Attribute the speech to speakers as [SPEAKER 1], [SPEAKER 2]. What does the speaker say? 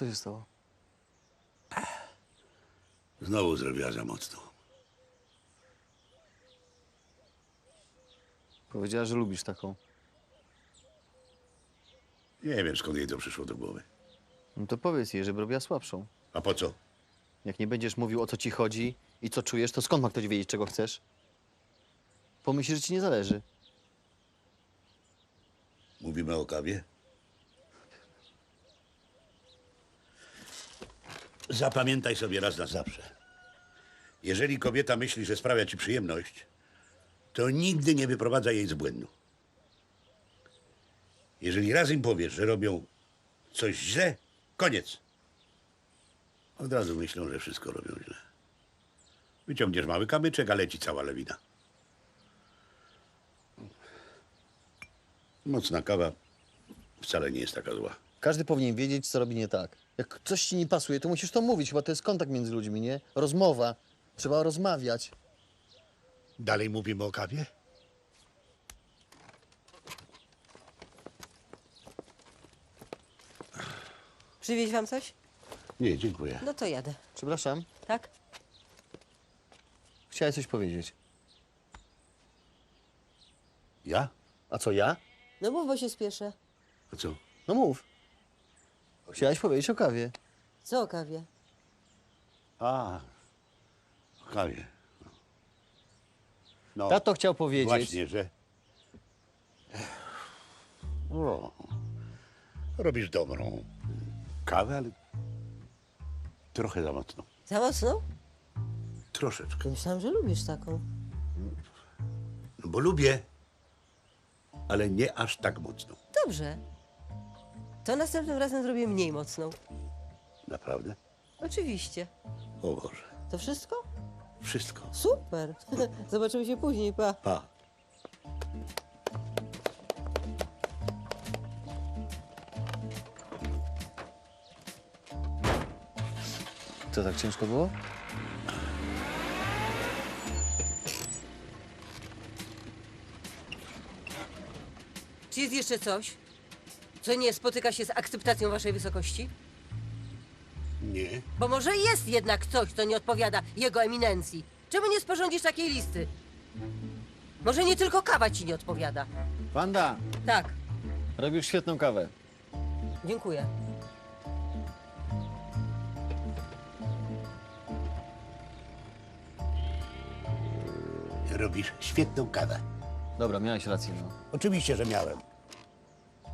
[SPEAKER 1] Co się stało?
[SPEAKER 2] Znowu zrobiła za mocno.
[SPEAKER 1] Powiedziała, że lubisz taką.
[SPEAKER 2] Nie wiem, skąd jej to przyszło do głowy.
[SPEAKER 1] No to powiedz jej, żeby robiła słabszą.
[SPEAKER 2] A po co?
[SPEAKER 1] Jak nie będziesz mówił, o co ci chodzi i co czujesz, to skąd ma ktoś wiedzieć, czego chcesz? Pomyśl, że ci nie zależy.
[SPEAKER 2] Mówimy o kawie? Zapamiętaj sobie raz na zawsze. Jeżeli kobieta myśli, że sprawia ci przyjemność, to nigdy nie wyprowadza jej z błędu. Jeżeli raz im powiesz, że robią coś źle, koniec. Od razu myślą, że wszystko robią źle. Wyciągniesz mały kamyczek, a leci cała lawina. Mocna kawa wcale nie jest taka zła.
[SPEAKER 1] Każdy powinien wiedzieć, co robi nie tak. Jak coś ci nie pasuje, to musisz to mówić. Chyba to jest kontakt między ludźmi, nie? Rozmowa. Trzeba rozmawiać.
[SPEAKER 2] Dalej mówimy o kawie?
[SPEAKER 3] Przywieźć wam coś?
[SPEAKER 2] Nie, dziękuję.
[SPEAKER 3] No to jadę.
[SPEAKER 1] Przepraszam,
[SPEAKER 3] Tak?
[SPEAKER 1] chciałeś coś powiedzieć.
[SPEAKER 2] Ja?
[SPEAKER 1] A co, ja?
[SPEAKER 3] No mów, bo się spieszę.
[SPEAKER 2] A co?
[SPEAKER 1] No mów. Chciałeś powiedzieć o kawie.
[SPEAKER 3] Co o kawie?
[SPEAKER 2] A, o kawie. No,
[SPEAKER 1] Tato chciał powiedzieć.
[SPEAKER 2] właśnie, że... O, robisz dobrą kawę, ale trochę za mocno.
[SPEAKER 3] Za mocno?
[SPEAKER 2] Troszeczkę.
[SPEAKER 3] Myślałam, że lubisz taką.
[SPEAKER 2] No bo lubię, ale nie aż tak mocno.
[SPEAKER 3] Dobrze. To następnym razem zrobię mniej mocną.
[SPEAKER 2] Naprawdę?
[SPEAKER 3] Oczywiście.
[SPEAKER 2] O Boże,
[SPEAKER 3] To wszystko?
[SPEAKER 2] wszystko.
[SPEAKER 3] Super. Zobaczymy się później, pa.
[SPEAKER 2] Pa.
[SPEAKER 1] Co, tak ciężko było?
[SPEAKER 3] Czy jest jeszcze coś, co nie spotyka się z akceptacją waszej wysokości?
[SPEAKER 2] Nie.
[SPEAKER 3] Bo może jest jednak coś, co nie odpowiada jego eminencji. Czemu nie sporządzisz takiej listy? Może nie tylko kawa ci nie odpowiada.
[SPEAKER 1] Wanda,
[SPEAKER 3] Tak,
[SPEAKER 1] robisz świetną kawę.
[SPEAKER 3] dziękuję.
[SPEAKER 2] Robisz świetną kawę.
[SPEAKER 1] Dobra, miałeś rację, no.
[SPEAKER 2] Oczywiście, że miałem.